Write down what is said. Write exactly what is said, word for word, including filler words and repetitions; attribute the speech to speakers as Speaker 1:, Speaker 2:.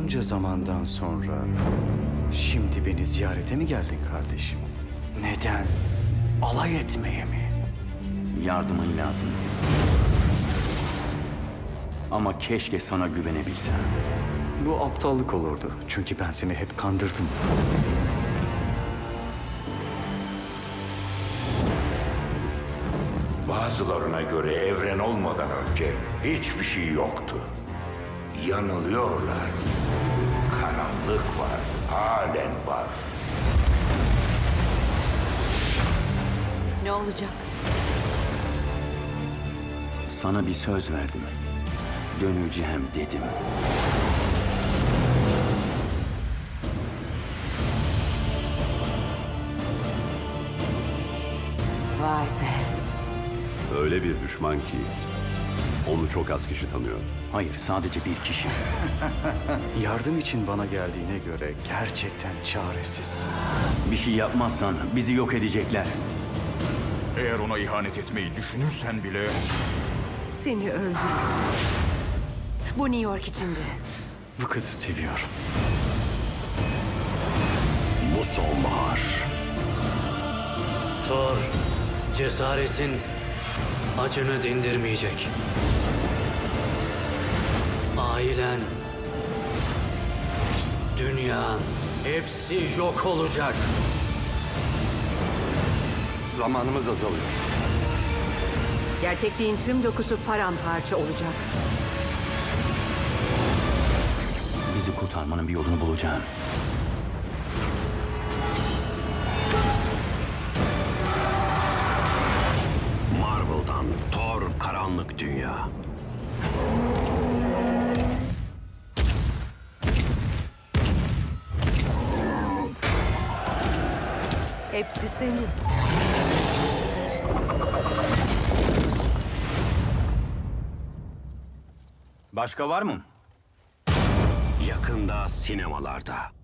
Speaker 1: Bunca zamandan sonra şimdi beni ziyarete mi geldin kardeşim? Neden? Alay etmeye mi?
Speaker 2: Yardımın lazım. Ama keşke sana güvenebilsem.
Speaker 1: Bu aptallık olurdu. Çünkü ben seni hep kandırdım.
Speaker 3: Bazılarına göre evren olmadan önce hiçbir şey yoktu. Yanılıyorlar. Karanlık var, halen var.
Speaker 4: Ne olacak?
Speaker 2: Sana bir söz verdim. Döneceğim dedim.
Speaker 4: Vay be.
Speaker 5: Öyle bir düşman ki onu çok az kişi tanıyor.
Speaker 2: Hayır, sadece bir kişi.
Speaker 1: Yardım için bana geldiğine göre gerçekten çaresiz.
Speaker 2: Bir şey yapmazsan bizi yok edecekler.
Speaker 6: Eğer ona ihanet etmeyi düşünürsen bile...
Speaker 4: Seni öldürürüm. Bu New York içindi.
Speaker 1: Bu kızı seviyorum.
Speaker 5: Bu sonbahar.
Speaker 7: Thor, cesaretin acını dindirmeyecek. Ailen, dünyan, hepsi yok olacak.
Speaker 5: Zamanımız azalıyor.
Speaker 4: Gerçekliğin tüm dokusu paramparça olacak.
Speaker 2: Bizi kurtarmanın bir yolunu bulacağım.
Speaker 5: Marvel'dan Thor Karanlık Dünya.
Speaker 4: Hepsi senin.
Speaker 2: Başka var mı?
Speaker 5: Yakında sinemalarda.